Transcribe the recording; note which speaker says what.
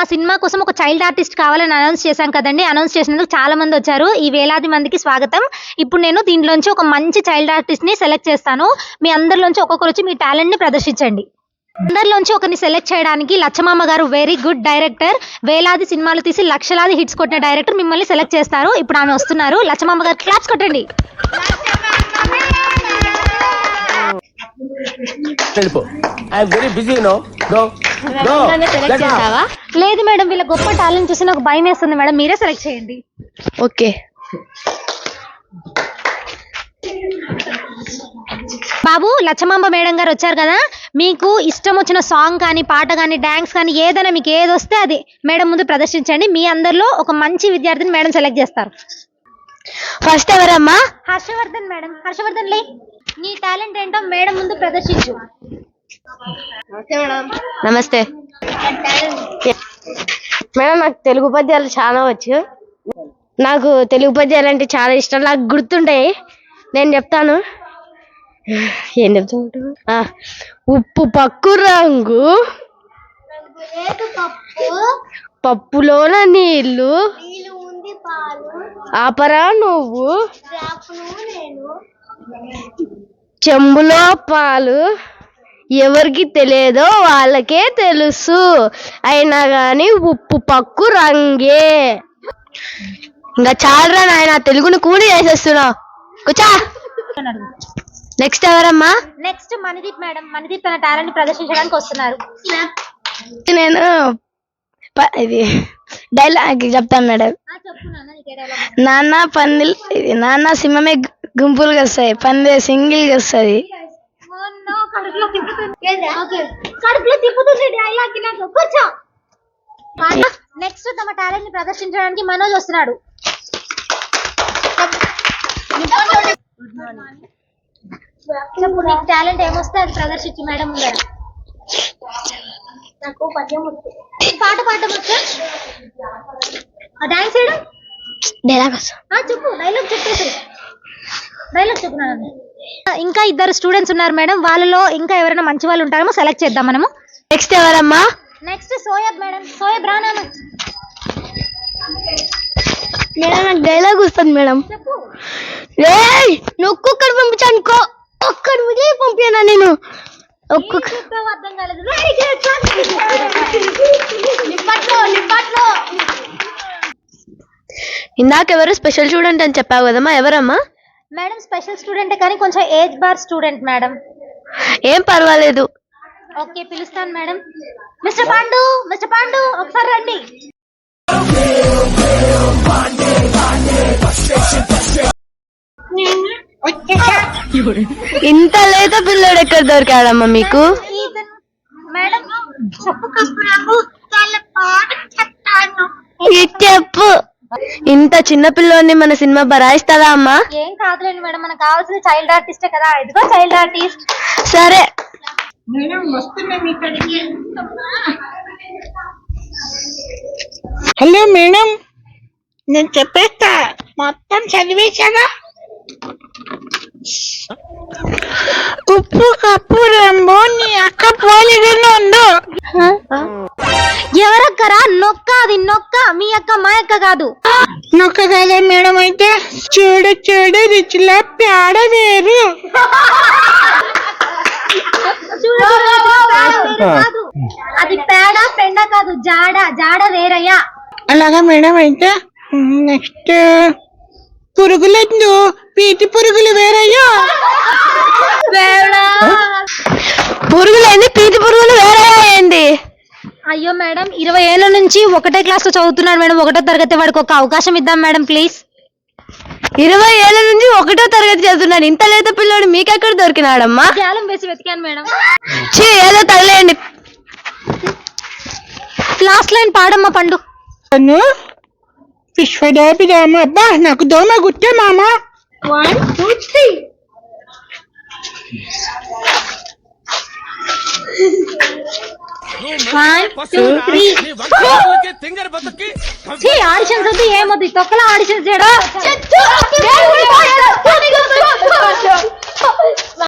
Speaker 1: మా సినిమా కోసం ఒక చైల్డ్ ఆర్టిస్ట్ కావాలని అనౌన్స్ చేశాం కదండి. అనౌన్స్ చేసినందుకు చాలా మంది వచ్చారు. ఈ వేలాది మందికి స్వాగతం. ఇప్పుడు నేను దీంట్లోంచి ఒక మంచి చైల్డ్ ఆర్టిస్ట్ని సెలెక్ట్ చేస్తాను. మీ అందరిలోంచి ఒక్కొక్కరు వచ్చి మీ టాలెంట్ని ప్రదర్శించండి. అందరిలోంచి ఒకరిని సెలెక్ట్ చేయడానికి లచ్చమామ గారు వెరీ గుడ్ డైరెక్టర్, వేలాది సినిమాలు తీసి లక్షలాది హిట్స్ కొట్టిన డైరెక్టర్ మిమ్మల్ని సెలెక్ట్ చేస్తారు. ఇప్పుడు ఆమె వస్తున్నారు. లచ్చమామ గారు క్లాప్స్ కొట్టండి. లేదు మేడం, వీళ్ళ గొప్ప టాలెంట్ చూసి నాకు భయం వేస్తుంది మేడం, మీరే సెలెక్ట్ చేయండి.
Speaker 2: ఓకే
Speaker 1: బాబు, లచ్చమాంబ మేడం గారు వచ్చారు కదా, మీకు ఇష్టం వచ్చిన సాంగ్ కానీ పాట కానీ డాన్స్ కానీ ఏదైనా మీకు ఏది వస్తే అది మేడం ముందు ప్రదర్శించండి. మీ అందరిలో ఒక మంచి విద్యార్థిని మేడం సెలెక్ట్ చేస్తారు.
Speaker 2: ఫస్ట్ ఎవరమ్మా?
Speaker 1: హర్షవర్ధన్ మేడం. హర్షవర్ధన్ లే, నీ టాలెంట్ ఏంటో మేడం ముందు ప్రదర్శించు.
Speaker 2: నమస్తే మేడం, నాకు తెలుగు పద్యాలు చాలా వచ్చు. నాకు తెలుగు పద్యాలు అంటే చాలా ఇష్టం, నాకు గుర్తుంటాయి. నేను చెప్తాను. ఏం చెప్తా? ఉప్పు పక్కు రంగు, పప్పులోన నీళ్లు, ఆపరా నువ్వు, చెంబులో పాలు, ఎవరికి తెలియదో వాళ్ళకే తెలుసు, అయినా గాని ఉప్పు పక్కు రంగే. ఇంకా చాలరా నాయన, తెలుగుని కూడి చేసేస్తున్నావు. కూర్చో. నెక్స్ట్ ఎవరమ్మా?
Speaker 1: Next Manideep madam. మణిదీప్ తన టాలెంట్ ప్రదర్శించడానికి వస్తున్నారు.
Speaker 2: నేను ఇది డైలాగ్ చెప్తాను మేడం. నాన్న పందిల్, నాన్న సింహమే గుంపులుగా వస్తాయి, పందే సింగిల్ గా వస్తుంది.
Speaker 1: నెక్స్ట్ తమ టాలెంట్ ని ప్రదర్శించడానికి మనోజ్ వస్తున్నాడు. చెప్పు, నీకు టాలెంట్ ఏమొస్తే అది ప్రదర్శించు మేడం ముందర. నాకు పద్యం పాట పాడమొచ్చా? డాన్స్ చేయడం?
Speaker 2: డైలాగ్
Speaker 1: చెప్పు, డైలాగ్ చెప్పేసి. డైలాగ్ చెప్పున్నాను. ఇంకా ఇద్దరు స్టూడెంట్స్ ఉన్నారు మేడం, వాళ్ళలో ఇంకా ఎవరైనా మంచి వాళ్ళు ఉంటారేమో సెలెక్ట్ చేద్దాం మనము.
Speaker 2: నెక్స్ట్ ఎవరమ్మా?
Speaker 1: Next Soyab madam. సోయబ్ రానా?
Speaker 2: మేడం నాకు డైలాగ్ వస్తుంది మేడం.
Speaker 1: చెప్పు.
Speaker 2: నువ్వు ఒక్కొక్కరు పంపించానుకో, ఒక్కడు విజయ్ పంపానా నేను?
Speaker 1: అర్థం కాలేదు.
Speaker 2: ఇందాకెవరు స్పెషల్ స్టూడెంట్ అని చెప్పావు కదమ్మా, ఎవరమ్మా?
Speaker 1: మేడం స్పెషల్ స్టూడెంట్ కానీ కొంచెం ఏజ్ బార్ స్టూడెంట్ మేడం.
Speaker 2: ఏం పర్వాలేదు.
Speaker 1: ఓకే, పిలుస్తాను madam. Mister Pandu, mister Pandu ఒకసారి రండి.
Speaker 2: ఇంత లేత పిల్లడు ఎక్కడ దొరికాడమ్మా మీకు?
Speaker 1: మేడం
Speaker 2: చెప్పు, ఇంత చిన్న పిల్లోని మన సినిమా బరాయిస్తుందా అమ్మా?
Speaker 1: ఏం కాదులేండి మేడం, మనకు కావాల్సిన చైల్డ్ ఆర్టిస్టే కదా. ఇదిగో చైల్డ్ ఆర్టిస్ట్.
Speaker 2: సరే
Speaker 3: మేడం వస్తున్నాం ఇక్కడికి. హలో మేడం, నేను చెప్పేస్తా, మొత్తం చదివేశాగా. ఉప్పు కప్పు రంబో నీ అక్క పోలిగలో ఉండు.
Speaker 1: ఎవరక్కరా? నొక్క, అది నొక్క. మీ అక్క మా అక్క కాదు.
Speaker 3: నొక్క కదా మేడం, అయితే చూడు చూడు రుచిలో పేడ వేరు.
Speaker 1: అది పేడ పెండ కాదు, జాడ. జాడ వేరయ్యా.
Speaker 3: అలాగా మేడం, అయితే నెక్స్ట్ పురుగులందు పీటి పురుగులు వేరయ్యా.
Speaker 2: పురుగులేంది, పీతి పురుగులు వేరే ఏంది?
Speaker 1: అయ్యో మేడం, 20 ఏళ్ళ నుంచి ఒకటే క్లాస్ లో చదువుతున్నాడు మేడం. 1వ తరగతి వాడికి ఒక అవకాశం ఇద్దాం మేడం ప్లీజ్.
Speaker 2: 20 ఏళ్ళ నుంచి 1వ తరగతి చదువుతున్నాడు, ఇంత లేత పిల్లోడు మీకెక్కడ దొరికినాడమ్మా?
Speaker 1: జాలం వేసి వెతికాను మేడం.
Speaker 2: ఏదో తగలేయండి.
Speaker 1: లాస్ట్ లైన్ పాడమ్మా పండు.
Speaker 3: విశ్వదాభిరామ. అబ్బా నాకు దోమ గుట్టే మామ. 1 2 3.
Speaker 1: ఆడిషన్స్ వద్దు, ఏమొద్దు, తొక్కలా ఆడిషన్స్ చేయడం.